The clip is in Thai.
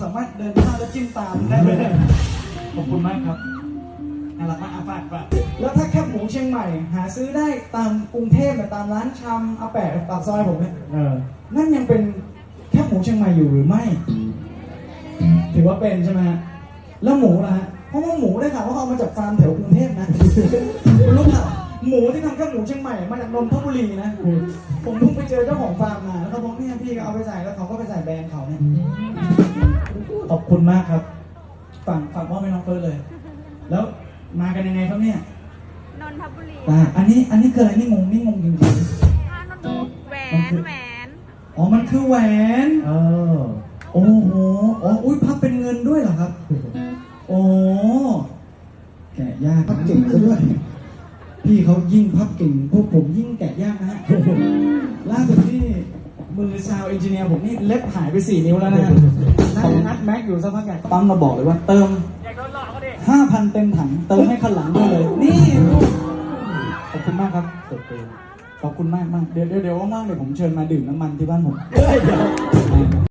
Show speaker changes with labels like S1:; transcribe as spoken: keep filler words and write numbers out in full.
S1: ามารถเดินข้ามแล้วจิ้มตามได้เลยขอบคุณมากครับน่ารักมากอาฝากฝากแล้วถ้าแคบหมูเชียงใหม่หาซื้อได้ตามกรุงเทพแบบตามร้านชำอาแปะปากซอยผมเนี่ยนั่นยังเป็นแคบหมูเชียงใหม่อยู่หรือไม่ถือว่าเป็นใช่ไหมฮะแล้วหมูนะฮะเพราะว่าหมูได้ข่าวว่าเขาเอามาจากฟาร์มแถวกรุงเทพนะคุณรู้เปล่าหมูที่ทำแคบหมูเชียงใหม่มาจากนนทบุรีนะผมเพิ่งไปเจอเจ้าของฟาร์มมาแล้วเขาบอกเนี่ยพี่ก็เอาไปใส่แล้วเขาก็ไปใส่แบรนด์เขาเนี่ยขอบคุณมากครับฝากฝากมอบให้น้องเฟิร์สเลยแล้วมากันยังไงครับเนี่ย
S2: นนทบุรี
S1: อ่าอันนี้อันนี้คืออะไรนี่งงนี่งงจริงๆ
S2: อ่านนทบุรีแหวนแหวน
S1: อ๋อมันคือแหวนเออโอ้โหอ๋ออุ้ยพับเป็นเงินด้วยเหรอครับโอ้แกะยากพับเก่งซะด้วยพี่เขายิ่งพับเก่งพวกผมยิ่งแกะยากนะฮะล่าสุดที่มือซาวเอนจิเนียร์ผมนี่เล็บหายไปสี่นิ้วแล้วนะฮะนั่งนัดแม็กอยู่สักพักใหญ่ปั๊มมาบอกเลยว่าเติมห้าพันเต็มถังเติมให้คันหลังด้วยเลยนี่ขอบคุณมากครับขอบคุณมากมากเดี๋ยวเดี๋ยวว่างๆเดี๋ยวผมเชิญมาดื่มน้ำมันที่บ้านผม